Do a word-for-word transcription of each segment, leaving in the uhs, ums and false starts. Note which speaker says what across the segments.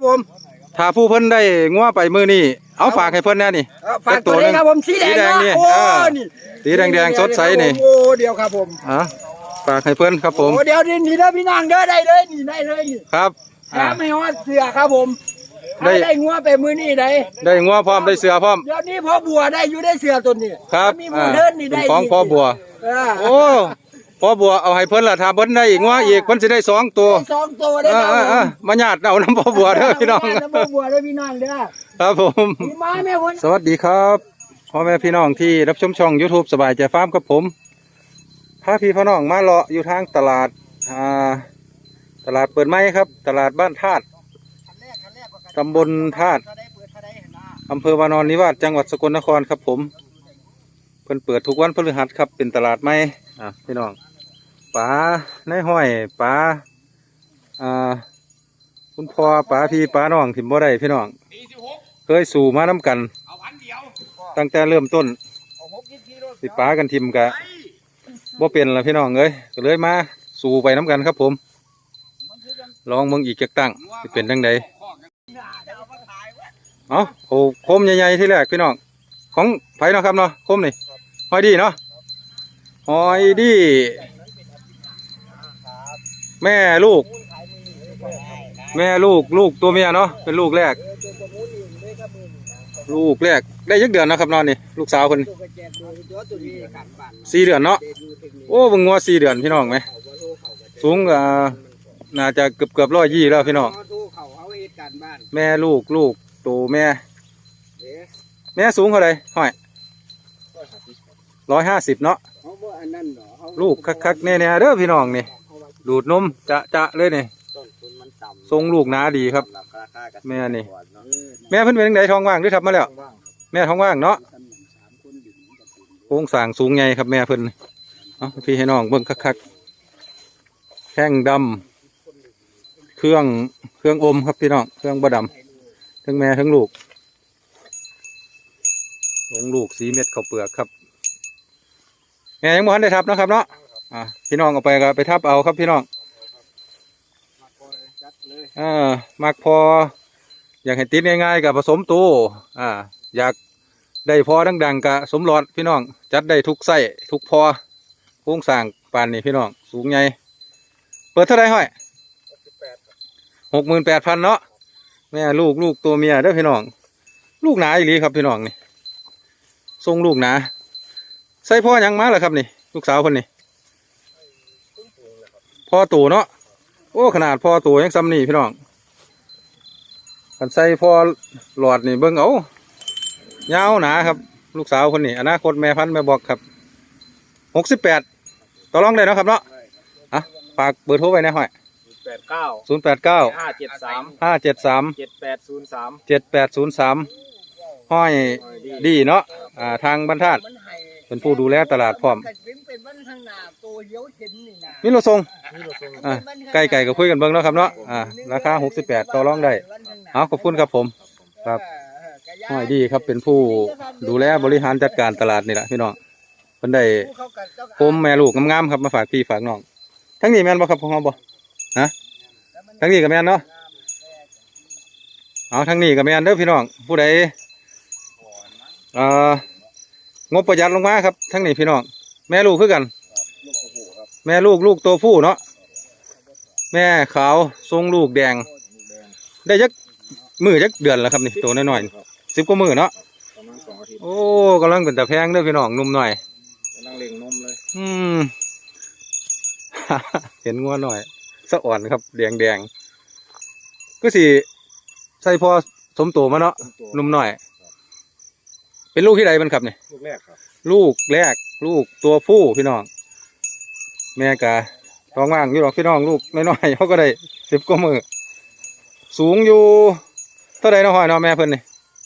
Speaker 1: ผมถ้าผู้เพิ่นได้งัวไปมือนี่เอาฝากให้เพิ่นแน่นี่
Speaker 2: ฝากตัวนี้ครับผมสีแดง
Speaker 1: นี่สีแดงแดงสดใสนี่
Speaker 2: โอ้เดียวครับผม
Speaker 1: อ่ะฝากให้เพิ่นครับผม
Speaker 2: โอ้เดี๋ยวนี่นี่เด้อพี่นางเด้อได้เลยนี่ได้เลยนี่
Speaker 1: ครับ
Speaker 2: แถมให้ฮอดเสือครับผมได้ได้งัวไปมือนี่ได้
Speaker 1: ได้งัวพร้อมได้เสือพร้อม
Speaker 2: เดี๋ยวนี้พ่อบัวได้อยู่ได้เสือตัวนี้
Speaker 1: ครับ
Speaker 2: มีมูเทิร์นนี่ได้
Speaker 1: ของพ่อบัวโอ้พ่อบัวเอาให้เพิ่นละถ้าเพิ่นได้อีกงัวอีกเพิ่นสิได้สองตัว
Speaker 2: สองตัวได้
Speaker 1: ครับมาญาติเอาน้ำพ่อบัวเด้อพี่น้อง
Speaker 2: น้ำพ่อบัวเด้อพี่น้องเด้อ
Speaker 1: ครับผมสวัสดีครับพ่อแม่พี่น้องที่รับชมช่อง YouTube สบายใจฟาร์มกับผมพาพี่พี่น้องมาเลาะอยู่ทางตลาดอ่าตลาดเปิดไม้ครับตลาดบ้านธาตุตำบลธาตุอำเภอวานอนนิวาสจังหวัดสกลนครครับผมเพิ่นเปิดทุกวันพฤหัสครับเป็นตลาดไม้อ่ะพี่น้องป๋าในห้อยป๋าอ่าคุณพ่อป๋าพี่ป๋าน้องถิ่มบ่ได้พี่น้องเคยสู่มาน้ำกันตั้งแต่เริ่มต้นสิป๋ากันทิมกะบ่เป็นละพี่น้องเอ้ยก็เลยมาสู่ไปน้ำกันครับผมลองเมืองอีกจักตั้งจะเป็นดังใดเอาโอ้โคมใหญ่ๆที่แรกพี่น้องของไผ่เนาะครับเนาะโคมนี่หอยดีเนาะหอยดีแม่ลูกแม่ลูกลูกตัวเมียเนาะเป็นลูกแรกลูกแรกได้ยักเดือนนะครับนอนนี่ลูกสาวคนสี่เดือนเนาะโอ้บึงงัวสี่เดือนพี่น้องไหมสูงอ่าน่าจะเกือบเกือบร้อยยี่แล้วพี่น้องแม่ลูกลูกตัวแม่แม่สูงเท่าไรห้อยร้อยห้าสิบเนาะลูกคักๆแน่ๆเด้อพี่น้องนี่ดูดนมจะจะเลยนี่ทรงลูกหนาดีครับแม่นี่แม่เพิ่นเป็นยังไงท้องว่างหรือทับมาแล้วแม่ท้องว่างเนาะโค้งสร้างสูงไงครับแม่เพิ่นเอาพี่ให้น้องเบิ่งคักๆแข้งดำเครื่องเครื่องอมครับพี่น้องเครื่องบะดำทั้งแม่ทั้งลูกลงลูกสีเม็ดข้าวเปลือกครับแม่ยังบ่ทันได้ทับนะครับเนาะอ่าพี่น้องเอาไปก็ไปทับเอาครับพี่น้องอ่ามักพออยากให้ติดง่ายๆกับผสมตัวอ่าอยากได้พอดังๆกับสมรอดพี่น้องจัดได้ทุกไส้ทุกพอโค้งสร้างปานนี่พี่น้องสูงใหญ่เปิดเท่าไรห้อยหกหมื่นแปดพันเนาะแม่ลูกลูกตัวเมียเด้อพี่น้องลูกหนาอีหลีครับพี่น้องนี่ทรงลูกหนาใส่พ่อยังมาเหรอครับนี่ลูกสาวคนนี้พ่อตัวเนาะโอ้ขนาดพ่อตัวยังซ้ำนี่พี่น้องกันใส่พ่อหลอดนี่เบิ้งเอายาวหนาครับลูกสาวคนนี้อนาคตแม่พันธุ์แม่บอกครับหกสิบแปดต่อรองได้เนาะครับเนาะอ่ะฝากเบอร์โทรไว้นะห้อย
Speaker 2: แปดเก้า
Speaker 1: ศูนย์แปดเก้า
Speaker 2: ห้าเจ็ดสาม
Speaker 1: ห้าเจ็ดสาม
Speaker 2: เจ็ดแปดศูนย์สาม
Speaker 1: เจ็ดแปดศูนย์สามห้อยดีเนาะอ่าทางบรรทัดเป็นผู้ดูแลตลาดพร้อมมีรถส่งอ่าไก่ไก่ก็คุยกันเบิ้งเนาะครับเนาะอ่าราคาหกสิบแปดต่อรองได้เอาขอบคุณครับผมครับห้อยดีครับเป็นผู้ดูแลบริหารจัดการตลาดนี่แหละพี่น้องเพิ่นได้โคมแม่ลูกงามๆครับมาฝากพี่ฝากน้องทั้งนี้แม่นบ่ครับของเราบ่ฮะทั้งนี้กับแม่นเนาะเอาทั้งนี้กับแม่นเด้อพี่น้องผู้ใดเอ่องบประหยัดลงมาครับทั้งนี้พี่น้องแม่ลูกคือกันแม่ลูกลูกตัวผู้เนาะแม่ขาวทรงลูกแดงได้ยักมือยักเดือนแล้วครับนี่ตัวน้อยๆสิบกว่ามือเนาะโอ้กำลังเป็นตะแพงเด้อพี่น้องนุ่มหน่อย
Speaker 2: กำลังเล่งนมเลย
Speaker 1: อืม เห็นงัวหน่อยสะอ่อนครับแดงแดงก็สิใส่พอสมโตมาเนาะนุ่มหน่อยเป็นลูกที่ใดมันครับเนี่ย
Speaker 2: ลูกแรกครับ
Speaker 1: ลูกแรกลูกตัวผู้พี่น้องแม่กะท้องว่างอยู่หรอกพี่น้องลูกน้อยๆเขาก็ได้สิบกว่ามือสูงอยู่เท่าไรเนาะหอยเนาะแม่เพิ่นนี่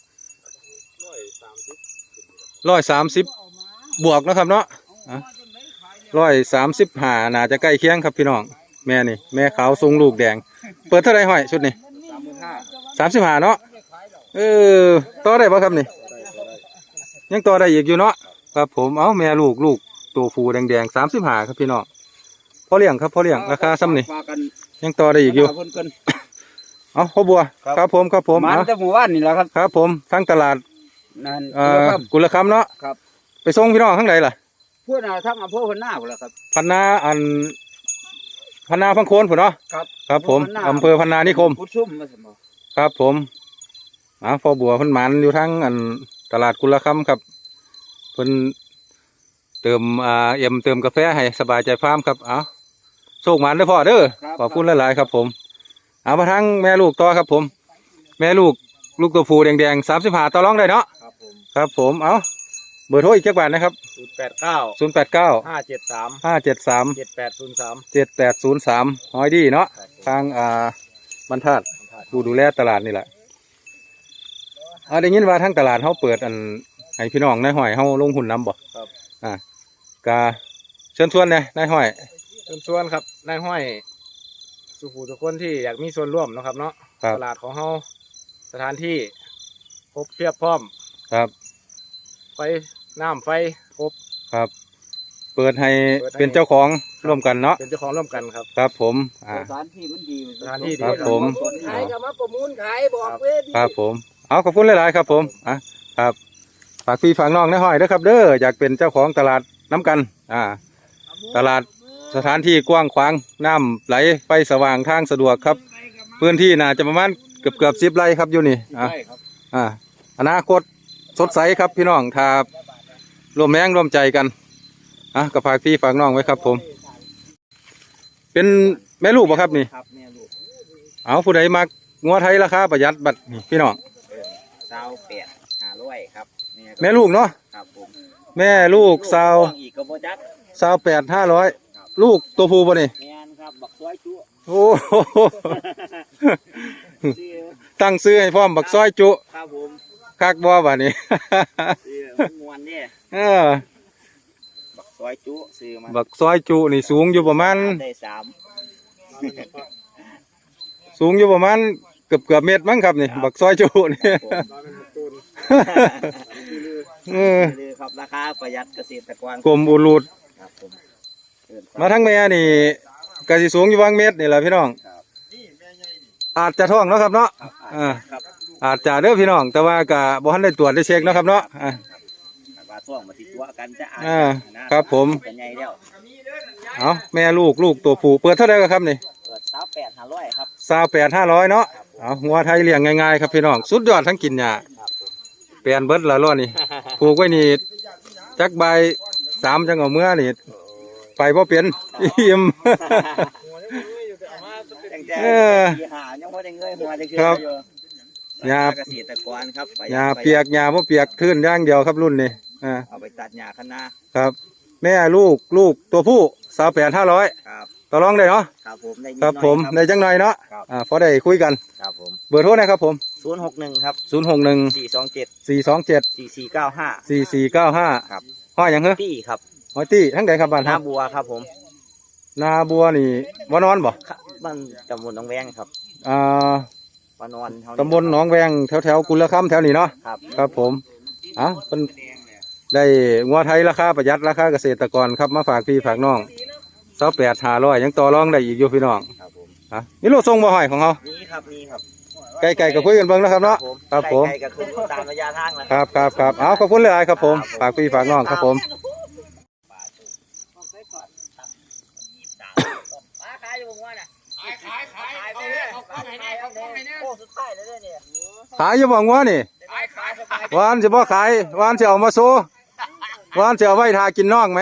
Speaker 1: ร้อยสามสิบบวกนะครับเนาะร้อยสามสิบห้าน่าจะใกล้เคียงครับพี่น้องแม่นี่แม่ขาวทรงลูกแดงเปิดเท่าไรหอยชุดนี้สามสิบห้าเนาะเออต่อได้ป่ะครับนี่ยังต่อได้อีกอยู่เนาะครับผมเอาแม่ลูกลูกตัวฟูแดงๆสามสิบห้าครับพี่น้องพอเลี้ยงครับพอเลี้ยงราคาซ้ำนี่ยังต่อได้อีกอยู่เอาพ่อบัวครับผมครับผม
Speaker 2: มัน
Speaker 1: เอา
Speaker 2: จะหมู่บ้านนี่แหละครับ
Speaker 1: ครับผมทั้งตลาด
Speaker 2: นั่น
Speaker 1: เอ่อกุลคำเนาะ
Speaker 2: ครับ
Speaker 1: ไปส่งพี่น้องข้างไหนล่ะ
Speaker 2: พูดเอาทั้งอำเภอพันนาพุ่นล่ะครับ
Speaker 1: พันนาอันพันนาพังโคนผมเนาะ
Speaker 2: ครับ
Speaker 1: ครับผม
Speaker 2: พันนา
Speaker 1: อำเภอพันนานิคม
Speaker 2: พุทธซุ่มมาสมอ
Speaker 1: ครับผมอ่าพ่อบัวเพิ่นหมันอยู่ทั้งอันตลาดกุลคำครับเพิ่นเติมอ่าเอ็มเติมกาแฟให้สบายใจฟาร์มครับเอาโชคหมันเด้อพ่อเด้อขอบคุณหลายๆครับผมเอามาทั้งแม่ลูกต่อครับผม แม่ลูกลูกตัวผู้แดงๆสามสิบห้าต่อรองได้เนาะ
Speaker 2: ครับผม
Speaker 1: ครับผมเอาเบอร์โทรอีกจักบาทนะครับ
Speaker 2: ศูนย์แปดเก้า
Speaker 1: ศูนย์แปดเก้า
Speaker 2: ห้าเจ็ดสาม
Speaker 1: ห้าเจ็ดสาม
Speaker 2: เจ็ดแปดศูนย์สาม
Speaker 1: เจ็ดแปดศูนย์สามหอยดีเนาะทางอ่าบรรทัดผู้ดูแลตลาดนี่แหละเอาได้ยินว่าทั้งตลาดเขาเปิดอันให้พี่น้องนายห้อยเขาลงหุ้นนำบ่
Speaker 2: ครับ
Speaker 1: อ่ากาเชิญชวนเนี่ยนายห้อย
Speaker 2: เชิญชวนครับนายห้อยสุภูทุกคนที่อยากมีส่วนร่วมเนาะครับเนาะ
Speaker 1: ครับ
Speaker 2: ตลาดของเฮาสถานที่ครบเพียบพร้อม
Speaker 1: ครับ
Speaker 2: ไฟน้ำไฟครบ
Speaker 1: ครับ เปิดให้
Speaker 2: เปิดให้
Speaker 1: เป็นเจ้าของร่วมกันเนาะ
Speaker 2: เป็นเจ้าของร่วมกันครับ
Speaker 1: ครับผมอ่า
Speaker 3: สถานที่มันดี
Speaker 2: สถานที่ดี
Speaker 1: ครับผม
Speaker 3: ขายกับมาประมูลขายบอกเว้ย
Speaker 1: ครับผมเอาขอบคุณหลายๆครับผมอ่ะครับฝากพี่ฝากน้องนายห้อยเด้อครับ เด้ออยากเป็นเจ้าของตลาดน้ำกันอ่า ตลาดสถานที่กว้างขวางน้ำไหลไฟสว่างทางสะดวกครับพื้นที่น่าจะประมาณเกือบเกือบสิบไร่ครับอยู่นี่อ่ะ
Speaker 2: ใช่ครับ
Speaker 1: อ่าอนาคตสดใสครับพี่น้องถ้ารวมแรงรวมใจกันอ่ะกับฝากพี่ฝากน้องไว้ครับผม เป็นแม่ลูกบ่ครับนี่
Speaker 2: ครับแม่ลูก
Speaker 1: เอาผู้ใดมักงัวไทยราคาประหยัดบัดนี่พี่น้อง
Speaker 3: เศร้าแปดห้าร้อยครับ
Speaker 1: แม่ลูกเนาะ
Speaker 3: ครับผม
Speaker 1: แม่ลูกสาว
Speaker 3: อีกกระโบจัก
Speaker 1: สาวแปดห้าร้อยลูกตัวผู้บ่นี่
Speaker 3: แมนครับบักซอยจุ
Speaker 1: โอ้โห ตั้งซื้อให้พร้อมบักซอยจุ
Speaker 3: ครับผม
Speaker 1: คักบ่บ่นี่
Speaker 3: ซื้อมันมวนเนี่ย
Speaker 1: เออ
Speaker 3: บักซอยจุซื้อมา
Speaker 1: บักซอยจุนี่สูงอยู่ประมาณ
Speaker 3: ได้สาม
Speaker 1: สูงอยู่ประมาณเกือบเกือบเมตรมั้งครับนี่บักซอยจุนี่ เออ
Speaker 3: เลยครับราคาประหยัดเกษตรกร
Speaker 1: กลมอุลูด
Speaker 3: ครับผมเอิ้น
Speaker 1: มาทั้งแม่นี่ก็สิสูงอยู่บางเมตรนี่แหละพี่น้องอาจจะท้องเนาะครับเนาะอ่า
Speaker 3: ครับ
Speaker 1: อาจจะเด้อพี่น้อง แต่ว่าก็บ่ทันได้ตรวจได้เช็คเนาะครับเนาะอ่า
Speaker 3: ว่าท่วงมาติดตัวกันจะอ่าน
Speaker 1: อ่า
Speaker 3: นะครับ
Speaker 1: ผม
Speaker 3: เป็นไงแล้ว
Speaker 1: เอาแม่ลูกลูกตัวผู้เปิดเท่าไหร่ครับนี่
Speaker 3: เปิดเศร้าแปดห้าร้อยครับ
Speaker 1: สาวแปดห้าร้อยเนาะเอางัวไทยเลี้ยงง่ายๆครับพี่น้องสุดยอดทั้งกินหญ้า
Speaker 3: ครับผม
Speaker 1: เปลี่ยนเบิดละล้อนี่ผูกไว้นี่จักใบสามจังเอาเมื่อนี่ไปบ่เป็น อิ่ม
Speaker 3: ตั้งแต่
Speaker 1: เออ
Speaker 3: ปีหายังไม่ได้เงยหัวจะ
Speaker 1: ครับ
Speaker 3: อยู่
Speaker 1: หญ้า
Speaker 3: เกษตรกรครับไป
Speaker 1: หญ้าเปียกหญ้าบ่เปียกทื่นอย่างเดียวครับรุ่นนี้อ่า
Speaker 3: เอาไปตัดหญ้าคณะ
Speaker 1: ครับ แม่ลูกลูกตัวผู้สาวแปดห้าร้อย
Speaker 3: ครับ
Speaker 1: ต่อรองได้เนาะ
Speaker 3: ครับผมได้ยิน
Speaker 1: ครับ
Speaker 3: หน่อย
Speaker 1: ผมในจังหน่อยเนาะ
Speaker 3: ครับ
Speaker 1: อ่าพอได้คุยกัน
Speaker 3: ครับผม
Speaker 1: เบอร์โทรนะครับผม
Speaker 3: ศูนย์หกหนึ่งครับ
Speaker 1: ศูนย์หกหนึ่ง
Speaker 3: สี่สองเจ็ด
Speaker 1: สี่สองเจ็ด
Speaker 3: สี่สี่เก้าห้า
Speaker 1: สี่สี่เก้าห้า
Speaker 3: ครับ
Speaker 1: ห้อยหยังเหรอ
Speaker 3: ตี้ครับ
Speaker 1: ห้อยตี้ทั้งใดครับบ้าน
Speaker 3: หน้า
Speaker 1: ครับ
Speaker 3: บัวครับผม
Speaker 1: นาบัวนี่วานอนบ่
Speaker 3: ครับบ้านตำบลหนองแวงครับ
Speaker 1: อ่า
Speaker 3: ปานอนเท่า
Speaker 1: ตำบลหนองแวงแถวแถวๆกุลคำแถวนี้เนาะ
Speaker 3: ครับ
Speaker 1: ครับผมอ่ะเป็นได้งัวไทยราคาประหยัดราคาเกษตรกรครับมาฝากพี่ฝากน้องสาวแปดหาร้อยยังต่อรองได้อีกอยู่พี่น้อง
Speaker 3: ครับผม
Speaker 1: อ่ะนี่โลดทรงบ่ห้อยของเขา
Speaker 3: นี่ครับนี่ครับ
Speaker 1: ไก่ไก่ก็คุยกันเบิ่งนะครับเนาะครับผม
Speaker 3: ไกลๆก็คือตามระยะทางนะครับ
Speaker 1: ครับครับเอาขอบคุณหลายๆครับผมฝากพี่ฝากน้องครับผม
Speaker 3: ขายอยู่ว่าน่ะขายขายขายเอาเลยเอาของให้แน่เอาของให้แน่โอ้สุดท้ายเลยเนี่ย
Speaker 1: ขายอยู่บ่งัวนี่
Speaker 3: ขายขายสบาย
Speaker 1: หวานสิบ่ขายหวานสิเอามาโซหวานสิเอาไว้ทากินน้องไหม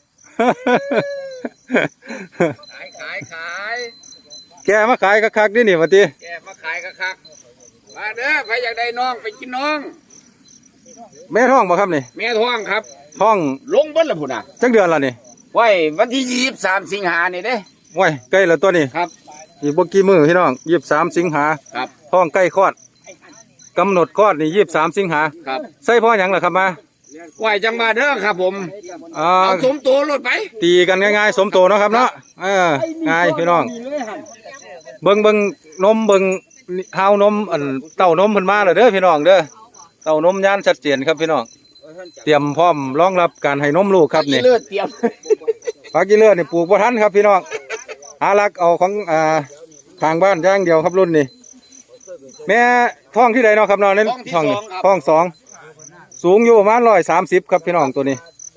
Speaker 2: ขายขายขาย
Speaker 1: แกมาขายคักๆนี่นี่ว่าติ
Speaker 2: แกมาขายคักๆมาเด้อใครอยากได้น้องไปกินน้อง
Speaker 1: แม่ท้องบ่ครับนี่
Speaker 2: แม่ท้องครับ
Speaker 1: ท้อง
Speaker 2: ลงเบิ้ลละพุ่นน่ะ
Speaker 1: จักเดือนละนี่
Speaker 2: ไว้วันที่ยี่สิบสามสิงหานี่เด้
Speaker 1: โอ้ยใกล้แล้วตัวนี้
Speaker 2: ครับ
Speaker 1: อีกบ่กี่มื้อพี่น้องยี่สิบสามสิงหา
Speaker 2: ครับ
Speaker 1: ท้องใกล้คลอดกำหนดคลอดนี่ยี่สิบสามสิงหา
Speaker 2: ครับ
Speaker 1: ใส่พ่อหยังล่ะครับมา
Speaker 2: ไหวจังมาเด้อครับผม
Speaker 1: อ่า
Speaker 2: เอาสมตัวรถไป
Speaker 1: ตีกันง่ายๆสมโตเนาะครับเนาะเออง่ายพี่น้องเบิ่งเบิ่งนมเบิ่งเท้านมอันเต้านมเพิ่นมาแล้วเด้อพี่น้องเด้อเต้านมย่านชัดเจนครับพี่น้องเตรียมพร้อมรองรับการให้นมลูกครับนี่
Speaker 2: เลือดเตรียม
Speaker 1: ผักกีเลือดนี่ปลูกบ่ทันครับพี่น้องหาลักเอาของอ่าทางบ้านอย่างเดียวครับรุ่นนี้แม่ท้องที่ใดเนาะครับเนาะในท้องนี่ท้องสองสูงอยู่ประมาณร้อยสามสิบครับพี่น้องตัวนี้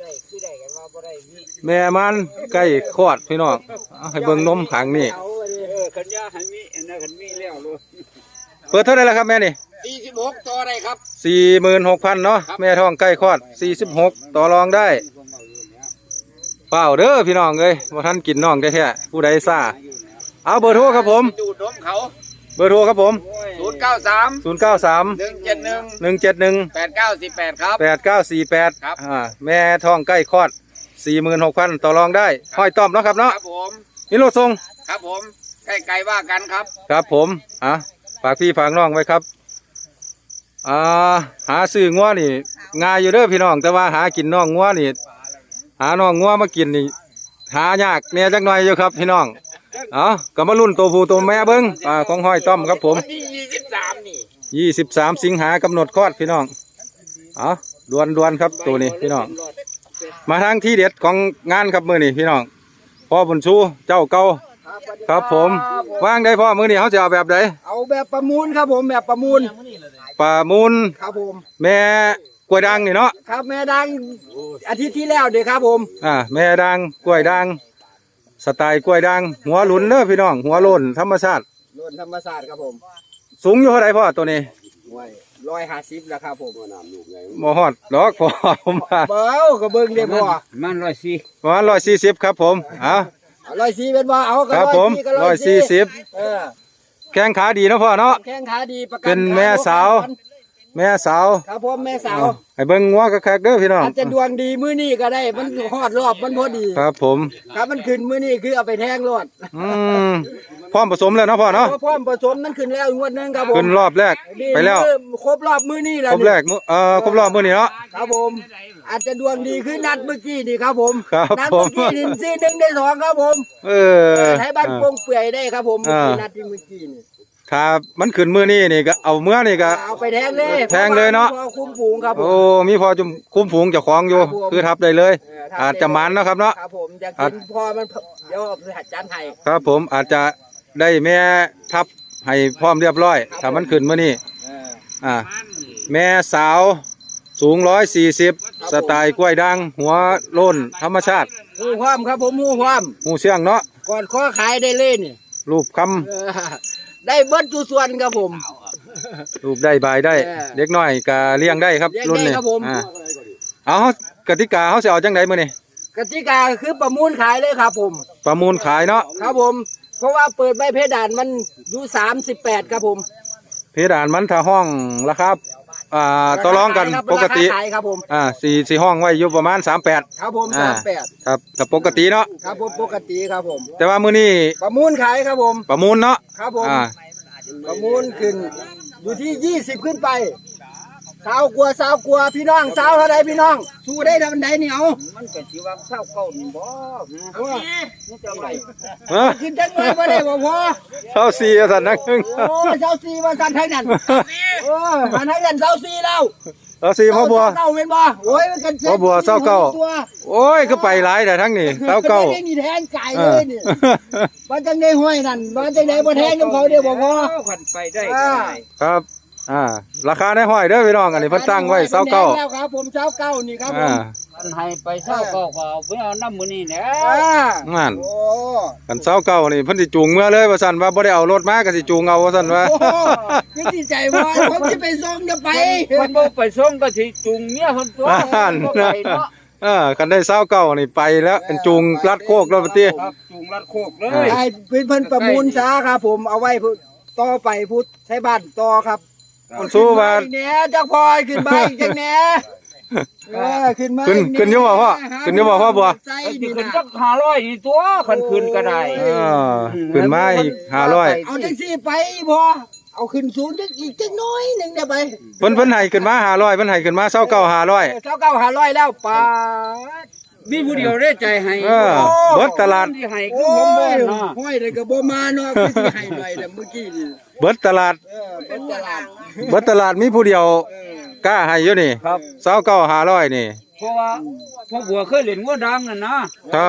Speaker 1: แม่มันใกล้คลอดพี่น้องเอาให้เบิ่งนมขังนี่
Speaker 3: ขันยาหันมีอันนั้นขันมีแล้วเลย
Speaker 1: เปิดเท่าไหร่แล้วครับแม่นี่
Speaker 3: สี่สิบหกต่อได้ครับ
Speaker 1: สี่หมื่นหกพันเนาะแม่ท้องใกล้คลอดสี่สิบหกต่อรองได้เปล่าเด้อพี่น้องเอ้ยว่าท่านกินน้องได้แท้ผู้ใดซ่าเอาเบอร์โทรครับผม
Speaker 3: ดูดนมเขา
Speaker 1: เบอร์โทรครับผม
Speaker 3: ศูนย์เก้าสาม
Speaker 1: ศูนย์เก้าสาม
Speaker 3: หนึ่งเจ็ดหนึ่ง
Speaker 1: หนึ่งเจ็ดหนึ่ง
Speaker 3: แปดเก้าสี่แปดครับ
Speaker 1: แปดเก้าสี่แปด
Speaker 3: ครับ
Speaker 1: อ่าแม่ท้องใกล้คลอดสี่หมื่นหกพันต่อรองได้ห้อยต้อมเนาะครับ
Speaker 3: ค
Speaker 1: เนาะ
Speaker 3: รับผม
Speaker 1: นี่รถทรง
Speaker 3: ครับผมใกล้ไกลว่ากันครับ
Speaker 1: ครับผมอ่ะฝากพี่ฝากน้องไว้ครับอ่าหาซื้องัวนี่ง่ายอยู่เด้อพี่น้องแต่ว่าหากินน้องงัวนี่หาน้องงัวมากินนี่หายากเนี่ยจักหน่อยอยู่ครับพี่น้องเอ๋อก็มารุ่นตัวผู้ตัวแม่เบิ้งอ่าของห้อยต้อมครับผม
Speaker 3: วันที่ยี่สิบสามนี่
Speaker 1: ยี่สิบสามสิงหากำหนดคลอดพี่น้องเอ๋อดวนดวนๆครับตัวนี้พี่น้องมาทางที่เด็ดของงานครับมือนี่พี่น้องพ่อบุญชูเจ้าเก่าครับผมว่างได้พ่อมือนี่เขาจะเอาแบบใด
Speaker 3: เอาแบบประมูลครับผมแบบประมูล
Speaker 1: ป่ามูล
Speaker 3: ครับผม
Speaker 1: แม่กล้วยด่างนี่เนาะ
Speaker 3: ครับแม่ดังอาทิตย์ที่แล้วเด็กครับผม
Speaker 1: อ่าแม่ด่างกล้วยด่างสไตล์กล้วยด่างหัวหลุนเด้อพี่น้องหัวโลนธรรมชาติ
Speaker 3: ล้นธรรมศาสตร์ครับผม
Speaker 1: สูงอยู่เท่าไรพ่อตัวนี้
Speaker 3: ร้อยห้าสิบแล้วครับผม
Speaker 1: บ่ฮอดดอกพ่อผมว่า
Speaker 3: เบ้าก็เบิ่งเด้พอ
Speaker 2: มันร้อยสี่
Speaker 1: ประมาณร้อยสี่สิบครับผมอ่ะ
Speaker 3: ร้อยสี่เป็นว่าเอาก็
Speaker 1: ครับผม
Speaker 3: ก็
Speaker 1: ร้อยสี่สิบ
Speaker 3: เออ
Speaker 1: แข้งขาดีเนาะพ่อเนาะ
Speaker 3: แข้งขาดีประกั
Speaker 1: เป็นแม่สาว แม่สาว
Speaker 3: ครับผมแม่สาว
Speaker 1: ให้เบิ่งงัวคักๆเด้อพี่น้อง
Speaker 3: อาจจะดวงดีมื้อนี้ก็ได้มันฮอดรอบมันพอดี
Speaker 1: ครับผม
Speaker 3: ครับมันขึ้นมื้อนี้คือเอาไปแทงรอด
Speaker 1: อืมพร้อมผสมแล้วเนาะพ่อเนาะ
Speaker 3: เพราะพร้อมผสมมันขึ้นแล้วงวดหนึงครับผม
Speaker 1: ขึ้นรอบแรก
Speaker 3: นี่
Speaker 1: ไปแล้ว
Speaker 3: มื้อครบรอบมื้อนี้แล้ว
Speaker 1: ครบแรกมื้อเอ่อครบรอบมื้อนี้เนาะ
Speaker 3: ครับผม อาจจะดวงดีขึ้นนัดเมื่อกี้นี่ครับผม
Speaker 1: ครับ
Speaker 3: นัด
Speaker 1: ผ
Speaker 3: เมื่
Speaker 1: ม
Speaker 3: อกี้นี่ซีหนึ่งได้สองครับผม
Speaker 1: เออ
Speaker 3: ไทยบ้านโป่งเปื่อยได้ครับผมเมื่อกี้
Speaker 1: อ่า
Speaker 3: นัดที่เมื่อกี้นี่
Speaker 1: ถ้ามันขึ้นมื้อนี้นี่ก็เอาเมื่อนี่ก็
Speaker 3: เอาไปแทงเลย
Speaker 1: แทงเลยเนาะ
Speaker 3: พอคุ้มฝูงครับผม
Speaker 1: โอ้มีพอจุมคุ้มฝูงเจ้าของอยู่
Speaker 3: ครับผม
Speaker 1: คือทับได้เลย
Speaker 3: เออครับ
Speaker 1: อาจจะมันเนาะครับเนาะ
Speaker 3: ครับผมอยากกินพอมันเดี๋ยวเอาไปหัดจานไทย
Speaker 1: ครับผมอาจจะได้แม่ทับให้พร้อมเรียบร้อยถ้ามันขึ้นมื้อนี้
Speaker 3: เออ
Speaker 1: อ่าแม่สาวสูงร้อยสี่สิบสไตล์กล้วยด่างหัวโล้นธรรมชาติ
Speaker 3: หูความครับผมหูความ
Speaker 1: หูเชื่องเนาะ
Speaker 3: ก่อนข้อขายได้เลยนี่
Speaker 1: รูปค
Speaker 3: เออได้เบิดทุกส่วนครับผม
Speaker 1: ำรูปได้บายได้
Speaker 3: เออ
Speaker 1: เด็กน้อยก็เลี้ยงได้ครับ
Speaker 3: เลี้ยง
Speaker 1: รุ่น
Speaker 3: ได้
Speaker 1: นี้
Speaker 3: ครับผม
Speaker 1: อ่าเอากติกาเขาจะเอาจังไดมื้อนี้
Speaker 3: กติกาคือประมูลขายเลยครับผม
Speaker 1: ประมูลขายเนาะ
Speaker 3: ครับผม เพราะว่าเปิดใบเพดานมันอยู่สามสิบแปดครับผม
Speaker 1: เพดานมันถ้าห้องราคาอ่าต่อรองกัน
Speaker 3: ราคาขายครับ
Speaker 1: ปกติ
Speaker 3: ราคาขายครับผม
Speaker 1: อ่าสี่สี่ห้องไว้อยู่ประมาณสามแปด
Speaker 3: ครับผม
Speaker 1: อ่า
Speaker 3: สามแปด
Speaker 1: ครับถ้าปกติเนาะ
Speaker 3: ครับผมปกติครับผม
Speaker 1: แต่ว่ามื้อนี้
Speaker 3: ประมูลขายครับผม
Speaker 1: ประมูลเนาะ
Speaker 3: ครับผม
Speaker 1: อ่า
Speaker 3: ประมูลขึ้นอยู่ที่ยี่สิบขึ้นไปสาวกลัวสาวกลัวพี่น้องสาวเท่าไรพี่น้อง สู้ได้ทำไดนี่เอามันก็สิว่าเศร้าเก่านี่บ่นี่จะไร
Speaker 1: เอ้อ
Speaker 3: ขึ้นจังเลยบ่ได้บ่พอ
Speaker 1: เท่าสี่สันนักหนึง
Speaker 3: โอ้เจ้าซีว่าสั่นไทยนั่นโอ้หันไทยนั่นเจ้าซีแล้ว
Speaker 1: เท่าสี่พ่อบัว
Speaker 3: เก้าเป็นบ่โอ้ยมันกัน
Speaker 1: พ่อบัวเศร้าเก้า
Speaker 3: ตัว
Speaker 1: โอ้ยก็ไปหลายแต่ทั้งนี้เท่าเก้า
Speaker 3: ไม่มีแทงไก่เลยนี่บ่จังได้ห้อยนั่นบ่จังได้บ่แทงกับเขาเดียวบ่พอ
Speaker 2: ขันไปได้
Speaker 3: อ่า
Speaker 1: ครับ อ่า ราคาในห้อยเด้อพี่น้องอันนี้เพิ่นตั้งไว้เศร้าเก้า
Speaker 3: แล้วครับผมเช้าเก้านี่ครับผ
Speaker 1: อ่า
Speaker 3: ม
Speaker 2: มันให้ไปเศร้าก็เอาเพื่อเอาน้ำมือนี่แหละ
Speaker 3: อ่า
Speaker 1: งั้น
Speaker 3: โอ้
Speaker 1: กันเศร้าเก้านี่เพิ่นสิจูงเมื่อเลยว่าซั่นว่าบ่ได้เอารถมาก็สิจูงเอาว่าซั่นว่า
Speaker 3: โหยังดีใจว่าผมจะไปส่งจะไป
Speaker 2: มันบ่ไปส่งก็สิจูงเมียคนตัว
Speaker 1: อ่าน
Speaker 2: บ่ไปเนาะ
Speaker 1: เออกันได้เศร้าเก้านี่ไปแล้วเป็นจูงลัดโคกแล้วปะติ
Speaker 2: ครับจูงรัดโคกเล
Speaker 1: อ่า
Speaker 2: ย
Speaker 3: ให้เพิ่นเพิ่นประมูลซะครับผมเอาไว้พูดต่อไปพูดใช้บ้านต่อครับ
Speaker 1: มันสู้ว่า
Speaker 3: ขึ้นมาอีกแหน่จักพอยขึ้นมาอีกจังแหน่เออขึ้นมา
Speaker 1: ขึ้น
Speaker 3: อีกแห
Speaker 1: ขึ้นอยู่บ่พ่อขึ้นอยู่บ่พ่อบัว
Speaker 3: ใจ
Speaker 2: ไอ้ที่
Speaker 3: นี่
Speaker 2: ขึ้น
Speaker 3: นะ
Speaker 2: จักห้าร้อยนี่ตัวขันขึ้นก็ได้
Speaker 1: เออขึ้นมาอีกห้าร้อย
Speaker 3: เอาจังซี่ไปบ่เอาขึ้นสูงจักอีกจักน้อยหนึงเดี๋ยวไป
Speaker 1: เพิ่นเพิ่นให้ขึ้นมาห้าร้อยเพิ่นให้ขึ้นมาเศร้าเก้าห้าร้อย
Speaker 3: เช้าเก้าหาร้อยแล้วปาด
Speaker 2: มีผู้เดียวได้ใจให้
Speaker 1: เออเบิดตลาด
Speaker 2: ที่ให้คื
Speaker 3: โอ้
Speaker 2: อผมบ่
Speaker 3: ย
Speaker 2: เนาะ
Speaker 3: ห้อยเลยก็บ่มาเนาะคือสิให้หน่อยแต่เมื่อกี้นี่
Speaker 1: เบิดตลาด
Speaker 3: เออเป็นตลาด
Speaker 1: เบิดตลาดมีผู้เดียว
Speaker 3: เออก
Speaker 1: ล้าให้อยู่นี่
Speaker 2: ครับ
Speaker 1: เศร้าเก้าห้าร้อยนี่
Speaker 2: เพราะว่าพ่อบัวเคยเล่นงัวดังน่ะนะครับ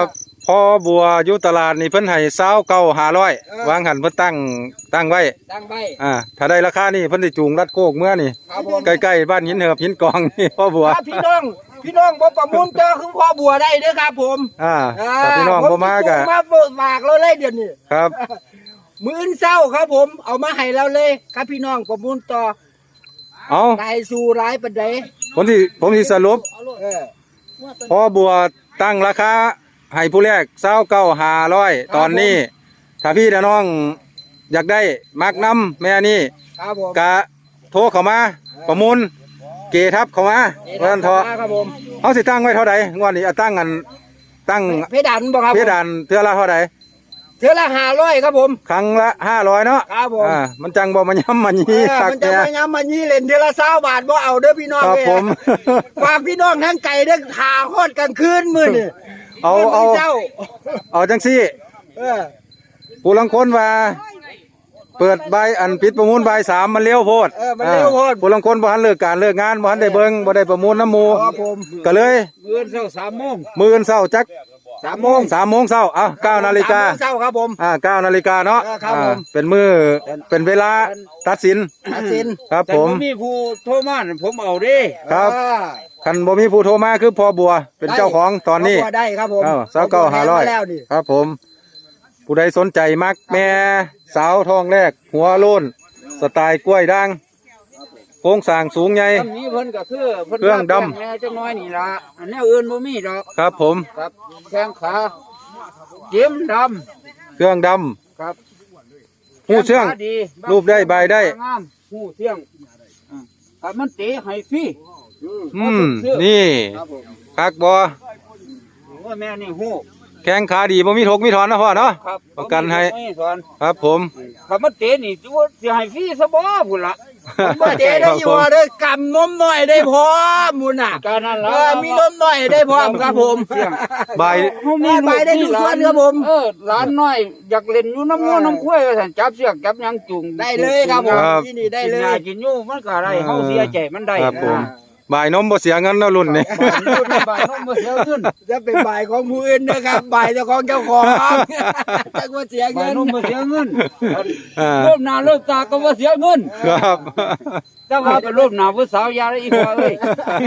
Speaker 1: พอบัวอยู่ตลาดนี่เพิ่นให้เศร้าเก้าหาร้อยวางหันเพิ่นตั้งตั้งไว้
Speaker 3: ตั้งใบ
Speaker 1: อ่าถ้าได้ราคานี่เพิ่นสิจูงรัดโคกเมื่อนี่
Speaker 3: ครับผม
Speaker 1: ใกล้ๆบ้านหินเหือบหินกองนี่พ่อบัว
Speaker 3: ถ้าพี่น้องพี่น้องบ่ประมูลเจอคือพ่อบัวได้เด้อครับผม
Speaker 1: อ่าถ้าพี่น้องบ่มาก็
Speaker 3: ผมาฝากเราเลยเดี๋ยวนี้
Speaker 1: ครับ
Speaker 3: มื้ออื่นเช้าครับผมเอามาให้เราเลยครับพี่น้องประมูลต่อ
Speaker 1: เอา
Speaker 3: ได้สู่ร้ายปานใด
Speaker 1: ผมสิผมสิสรุป
Speaker 3: เออ
Speaker 1: พอบัวตั้งราคาให้ผู้แรกเศร้าเก้าหาร้อยตอนนี้ ถ้าพี่น้องอยากได้มักน้ำแม่นี่
Speaker 3: ครับผม
Speaker 1: กะโทรเข้ามาประมูลเกทับเข้ามาเพราะนั้นเถอะ
Speaker 3: ครับผม
Speaker 1: เขาสิตั้งไว้เท่าใดงวดนี้เอาตั้งกันตั้ง
Speaker 3: เพดานบ่ครับ
Speaker 1: เพดานเทื่อละเท่าใด
Speaker 3: เทื่อละห้าร้อยครับผม
Speaker 1: ครั้งละห้าร้อยเนาะ
Speaker 3: ครับผม
Speaker 1: อ่ามันจังบ่มันย้ำมัน
Speaker 3: เอ
Speaker 1: ยี่
Speaker 3: อ
Speaker 1: คัก
Speaker 3: มันจะ
Speaker 1: แก่
Speaker 3: มาย้ำมันยี่เล่นเทื่อละเศร้าบาทบ่เอาเด้อพี่น้อง
Speaker 1: ครับ
Speaker 3: เอ้ย
Speaker 1: ผม
Speaker 3: ฝากพี่น้องทั้งไก่เด้อหาฮอดกลางคืนมื้อนี่
Speaker 1: เอาเอา
Speaker 3: มื้เช้า
Speaker 1: เอาจังซี่
Speaker 3: เออ
Speaker 1: ผู้ลังคนว่า เปิดใบอันปิดประมูลใบสามมันเลี้ยวโพด
Speaker 3: เออมันเร็วโพด
Speaker 1: ผู้ลังคนบ่ทันเลิกการเลิกงานบ่ทันได้เบิ่งบ่ได้ประมูลน้ำหมู
Speaker 3: ครับผม
Speaker 1: ก็เลย
Speaker 3: มื้อเช้าสามโมง
Speaker 1: มื้ออนเช้าจัก
Speaker 3: สามโมง
Speaker 1: สามโมงเช้าเอ้าเก้านาฬิกา
Speaker 3: สมโมงเช้าครับผม
Speaker 1: อ่าเก้านาฬิกาเนาะ
Speaker 3: เออครับผม
Speaker 1: อ่าเป็นมือเป็นเวลาตัดสิน
Speaker 3: ตัดสิน
Speaker 1: ครับ
Speaker 4: แต่
Speaker 1: ผ
Speaker 4: ผม มมีผู้โทรมาน่ะผมเอาเด้
Speaker 1: ครับ
Speaker 3: อ่า
Speaker 1: คันบ่มีผู้โทรมาคือพอบัวเป็นเจ้าของตอนนี้
Speaker 3: ครบครัวได้ครับผม
Speaker 1: เอ้าสาวเก้าหาร้อย
Speaker 3: คบครัวแทนมแล้วนี่
Speaker 1: ครับผม ผู้ใดสนใจมักแม่สาวทองแรก หัวโล้นสไตล์กล้วยด่างโครงสร้างสูงใหญ่
Speaker 4: อันนี้เพิ่นก็คือเพิ่น
Speaker 1: เครื่องดำ
Speaker 4: ว่าแม่จังน้อยนี่ล่ะอันแนวอื่นบ่มีดอก
Speaker 1: ครับผม
Speaker 4: ครับแข้งขาเจิ้มดำ
Speaker 1: เครื่องด
Speaker 4: ครับ
Speaker 1: ำหูเชื่อง
Speaker 4: แข้ขาดี
Speaker 1: รูปได้ใบได้
Speaker 4: งามหูเชื่องอ่าครับมันเตะให้ฟรี
Speaker 1: อืมนี่
Speaker 4: ครับผม
Speaker 1: คักบอ
Speaker 4: ว่าแม่นี่หู
Speaker 1: แข้งขาดีบ่มีทกมีถอนนะพ่อเนาะ
Speaker 4: ครับ
Speaker 1: ประกันให้
Speaker 4: บ่มีสอน
Speaker 1: ครับผม
Speaker 4: ครับมันเตะนี่สิว่าสิให้ฟรีซะบ่พุ่นล่ะ
Speaker 3: บ่เจ๊ได้อยู่ว่าได้กำนมหน่อยได้พร้อมมุนน่ะ
Speaker 4: การนั้น
Speaker 3: เอ
Speaker 4: ล่ะ
Speaker 3: อมีนมหน่อยได้พร้อมครับผม
Speaker 1: ใบ
Speaker 4: เฮามี
Speaker 3: ไปได้ทุกส่วนครับผม
Speaker 4: เออหลานน้อยอยากเล่นอยู่น้ำงัวน้ำควายว่าซั่นจับเสือกจับหยังจุง
Speaker 3: ได้เลยครับผมที่นี่ได้เล
Speaker 4: กินหญ้าย กินอยู่มันก็ได้เฮาเสียใจมันได้
Speaker 1: ครับผม
Speaker 4: นะ
Speaker 1: ใบนมบ่เสียเงินเนาะรุ่นนี้
Speaker 4: บ้านอยู่ในบ้านเฮาบ่เสียเงิน
Speaker 3: จะเป็นบ่ายของผู้อื่นนะครับบ่ายเจ้าของเจ้าของจักว่าเสีย
Speaker 4: บ้า
Speaker 3: เงิ
Speaker 4: น
Speaker 3: น
Speaker 4: เฮาบ่เสียเงิน
Speaker 1: อ่า
Speaker 4: รูปหน้ารูปตาก็บ่เสียเงิน
Speaker 1: ครับ
Speaker 4: แต่ว่าเป็นรูปหน้าผู้สาวยาได้อีกว่าเอ้ย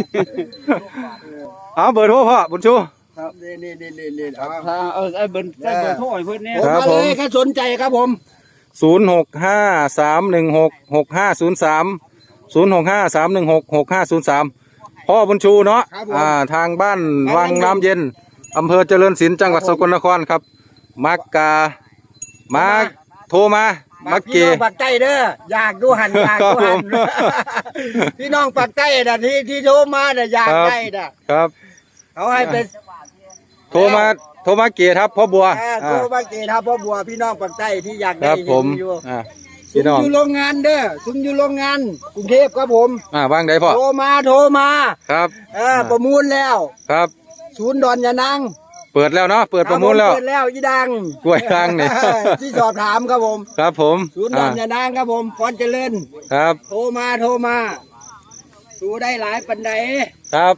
Speaker 1: เอาเบอร์โทรพ่อบุญชู
Speaker 3: ครับนี่นี่นี่นี่นี่เอา
Speaker 4: ถ้าเอาไอ้เบิ่นไอ้เบิ่นโทรให้เพิ่นแน่
Speaker 3: ผม
Speaker 1: ครับ
Speaker 3: มา
Speaker 1: ผ
Speaker 3: เล
Speaker 1: ม
Speaker 3: ยถ้าสนใจครับผม
Speaker 1: ศูนย์หกห้าสามหนึ่งหกหกห้าศูนย์สามศูนย์หกห้าสามหนึ่งหกหกห้าศูนย์สามพ่อบุญชูเนาะอ่าทางบ้านวังน้ำเย็นอำเภอเจริญศิลป์จังหวัดสกลนครครับ มักกามาโทรมามักเก
Speaker 3: พี่น้องปากใต้เด้ออยากดูหันอยากดูหัน
Speaker 1: ครับผม
Speaker 3: พี่น้องปากใต้น่ะที่ที่โทรมาน่ะอยากได้น่ะ
Speaker 1: ครับ
Speaker 3: เขาให้เป็น
Speaker 1: โทรมาโทรมาเกครับพ่อบัว
Speaker 3: อ่า
Speaker 1: อ่า
Speaker 3: โทรมาเกทับพ่อบัวพี่น้องปากใต้ที่อยาก
Speaker 1: ค
Speaker 3: ได้
Speaker 1: รับผม
Speaker 3: ที่อยู่
Speaker 1: อ่า
Speaker 3: ซุ
Speaker 1: พี่
Speaker 3: ม
Speaker 1: น้อง
Speaker 3: อยู่โรงงานเด้อซุมอยู่โรงงานกรุงเทพครับผม
Speaker 1: อ่าว่างใดพ่อ
Speaker 3: โทรมาโทรมา
Speaker 1: ครับ
Speaker 3: เออประมูลแล้ว
Speaker 1: ครับ
Speaker 3: ศูนย์ดอนยานาง
Speaker 1: เปิดแล้วเนาะเปิดประมูลแล้ว
Speaker 3: เปิดแล้วอีดัง
Speaker 1: กล้วยทางนี่
Speaker 3: เออที่สอบถามครับผม
Speaker 1: ครับผม
Speaker 3: ศูนย์ดอ
Speaker 1: อ่าน
Speaker 3: ยานางครับผมพรเจริญ
Speaker 1: ครับ
Speaker 3: โทรมาโทรมาสู้ได้หลายปันใด
Speaker 1: ครับ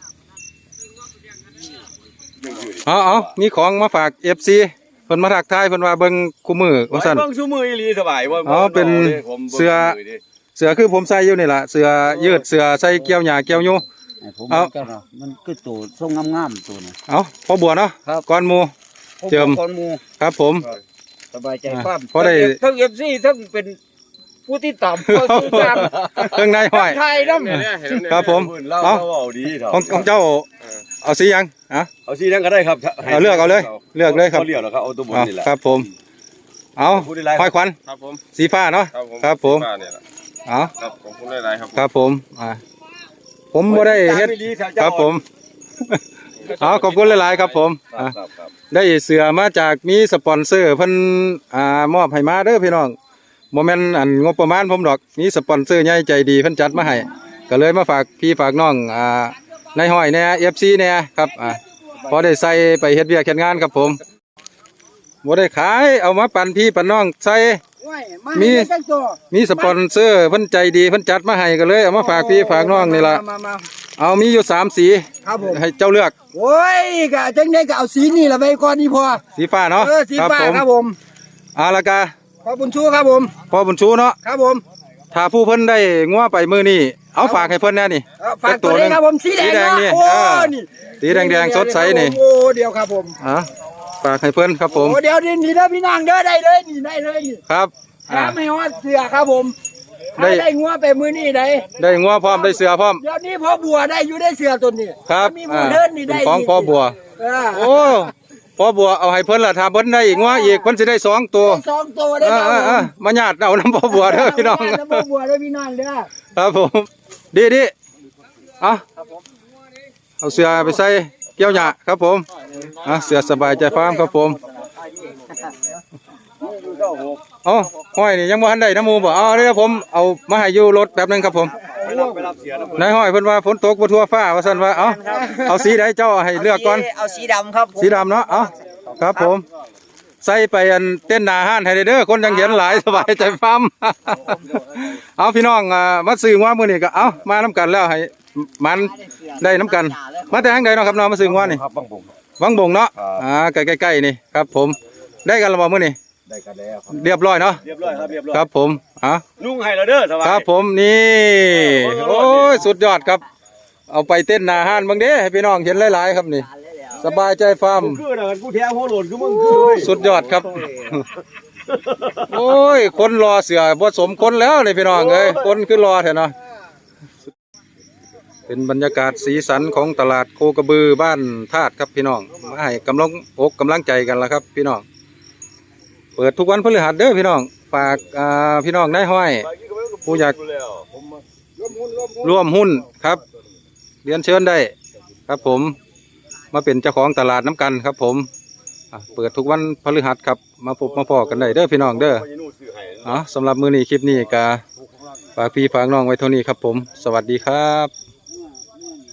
Speaker 1: เอาเอามีของมาฝากเอฟซีเพิ่นมาทักทายเพิ่นว่าเบิ่งคู่มือว่าซั่น
Speaker 5: เบิ่งชูมืออีหลีสบายว่า
Speaker 1: อ๋อเป็นเสื้อ เสือคือผมใส่อยู่นี่ล่ะเสือยืดเสือใส่เกี่ยวหญ้าเกี่ยวยู
Speaker 4: ให้ผม
Speaker 1: เอา
Speaker 4: เจ้าเนาะมันคือตัวทรงงามๆตัวนี้
Speaker 1: เอาพอบัวเนาะ
Speaker 4: ครับ
Speaker 1: ก้อนหมู เจิม
Speaker 4: คนหมู่
Speaker 1: ครับผม
Speaker 4: สบายใจ
Speaker 1: อ่า
Speaker 4: ความ
Speaker 1: พอได้
Speaker 4: ทั้ง เอฟ ซี ทั้งเป็นผู้ที่ตามผู้ที่ตาม
Speaker 1: เครื่องในห้อย
Speaker 4: ไทยนำ
Speaker 5: เนี่ยเนี่ยเห็นไห
Speaker 1: ครับผม
Speaker 5: เล่า
Speaker 1: เอา
Speaker 5: เล่าเอาดีเถอะ
Speaker 1: ของของเจ้าเอาสีหยังอ่ะ
Speaker 5: เอาสีนั้นก็ได้ครับ
Speaker 1: เอาเลือกเอาเลยเลือกเลยครับ
Speaker 5: เลือกแล้วครับเอาตัวบน
Speaker 1: เอา
Speaker 5: นี่แหละ
Speaker 1: ครับผมเอา
Speaker 5: พูดได้หลาย
Speaker 1: ห้อยควัน
Speaker 5: ครับผม
Speaker 1: สีฟ้าเนาะครับผม
Speaker 5: ฟ้าเนี่ยแหละ
Speaker 1: เอา
Speaker 5: ครับผมพูดได้หลายครับ
Speaker 1: ครับผมอ่าผมบ่ได้เฮ็ดครับผมเอาขอบคุณหลายๆครับผม
Speaker 5: ครั
Speaker 1: อ่ะ
Speaker 5: บครับครับ
Speaker 1: ได้เสือมาจากมีสปอนเซอร์เพิ่นอ่ามอบให้มาเด้อพี่น้องบ่แม่นอันงบประมาณผมดอกมีสปอนเซอร์ใหญ่ใจดีเพิ่นจัดมาให้ก็เลยมาฝากพี่ฝากน้องอ่าในห้อยแหน่ เอฟ ซี แหน่ครับอ่าพอได้ใส่ไปเฮ็ดเวียกเฮ็ดงานครับผมบ่ได้ขายเอามาปั่นพี่ปั่นน้องใส่
Speaker 3: โอ้ยมา
Speaker 1: มี
Speaker 3: ให้ได้จักตัว
Speaker 1: มีสปอนเซอร์เพิ่นใจดีเพิ่นจัดมาให้ก็เลยเอามาฝากพี่ฝากน้องนี่ล่ะ
Speaker 3: มามามา
Speaker 1: เอามีอยู่สามสี
Speaker 3: ครับผม
Speaker 1: ให้เจ้าเลือก
Speaker 3: โอ้ยกะจังได้ก็เอาสีนี่ละไปก่อนนี่พอ
Speaker 1: สีฟ้าเนาะ
Speaker 3: เออสีฟ้า
Speaker 1: ผม
Speaker 3: ครับผม
Speaker 1: อาละกา
Speaker 3: ขอบุญชูครับผม
Speaker 1: พอบุญชูเนาะ
Speaker 3: ครับผม
Speaker 1: ถ้าผู้เพิ่นได้งัวไปมือนี่เอาฝากให้เพิ่นแน่นี่
Speaker 3: เออฝากตัวนี้ครับผมสีแดง
Speaker 1: สีแดงนี่
Speaker 3: เนาะโอ้
Speaker 1: เออ
Speaker 3: นี่
Speaker 1: สีแดงๆสดใสนี่
Speaker 3: โอ้เดียวครับผม
Speaker 1: อ่ะฝากให้เพิ่นครับผม
Speaker 3: โอ้เดี๋ยวนี่นี่เด้อพี่น้องเด้อได้เลยนี่ได้เลยนี่
Speaker 1: ครับ
Speaker 3: แถ
Speaker 1: อ่ะ
Speaker 3: มไม่ฮอดเสือครับผม
Speaker 1: ได้
Speaker 3: ได้ได้งัวไปมือนี่ได้
Speaker 1: ได้งัวพร้อมได้เสือพร้อม
Speaker 3: เดี๋ยวนี้พ่อบัวได้อยู่ได้เสือตัวนี้
Speaker 1: ครับ
Speaker 3: มีหมูเดินนี่ได้
Speaker 1: เป็นของพ่อบัว
Speaker 3: เออ
Speaker 1: โอ้พ่อบัวเอาให้เพิ่นละถ้าเพิ่นได้อีกงัวอีกเพิ่นสิได้สองตัว
Speaker 3: ได้สองตัวได้
Speaker 1: เอ
Speaker 3: ค
Speaker 1: อ
Speaker 3: รับ
Speaker 1: เออเออมาญาติเอาน้ำพ่อบัวเด้อพี่น้อง
Speaker 3: แล้วพ่อบัวได้พี่น้องเด้อ
Speaker 1: ครับผมดีดีเอาเอาเสือไปใส่เกี่ยวหญ้าครับผมอ่ะเสือสบายใจฟาร์มครับผมเอ๋อห้อยนี่ยังบ่ทันได้น้ำหมูบ่เอาเดี๋ยวผมเอามาให้อยู่รถแป๊บหนึงครับผมนายห้อยเพิ่นว่าฝนตกบ่ทั่วฟ้าว่าซั่นว่าเอาเอาสีใดเจ้าให้เลือกก่อน
Speaker 3: เอาสีดำครับผม
Speaker 1: สีดำเนาะเอาครับผมใส่ไปอันเต้นหนาห้านให้ได้เด้อคนยังเห็นหลายสบายใจฟาร์ม เอาพี่น้องอ่ามาซื้อว่ามื้อนี้ก็เอามาน้ำกันแล้วให้มันได้น้ำกัน มาแต่ทางใดเนาะครับน้องมาซื้อว่านี่
Speaker 5: ครับบังบง
Speaker 1: วังบงเนาะ
Speaker 5: ครับ
Speaker 1: อ่าใกล้ๆๆนี่ครับผมได้กันแล้วบ่มื้อนี้
Speaker 5: ได้กันแล้วครับ
Speaker 1: เรียบร้อยเนาะ
Speaker 5: เรียบร้อยครับเรียบร้อย
Speaker 1: ครับผมอ่ะ
Speaker 5: นุ่งให้เราเด้อสบาย
Speaker 1: ครับผมนี่โอ้ยสุดยอดครับ เอาไปเต้นหนาห้านบางเด้ให้พี่น้องเห็นหลายๆครับนี่ สบายใจฟาร์ม
Speaker 5: คือนะกูแท้หัวโหลนคือมึงคือเว้ย
Speaker 1: สุดยอดครับ โอ้ย คนรอเสือบ่สมคนแล้วนี่พี่น้องเอ้ยคนคือรอแท้เนาะเป็นบรรยากาศสีสันของตลาดโคกระบือบ้านธาตุครับพี่น้องมาให้กำลังอกกำลังใจกันละครับ พี่น้องเปิดทุกวันพฤหัสเด้อพี่น้องฝากอ่าพี่น้องนายห้อย ผู้อยากร่วมหุ้นครับเรียนเชิญได้ ครับผมมาเป็นเจ้าของตลาดน้ำกันครับผมอ่ะเปิดทุกวันพฤหัสครับมาพบมาพอกันได้เด้อพี่น้องเด้ออ๋อสำหรับมือนี้คลิปนี้กาฝากพี่ฝากน้องไว้เท่านี้ครับผม สวัสดีครับ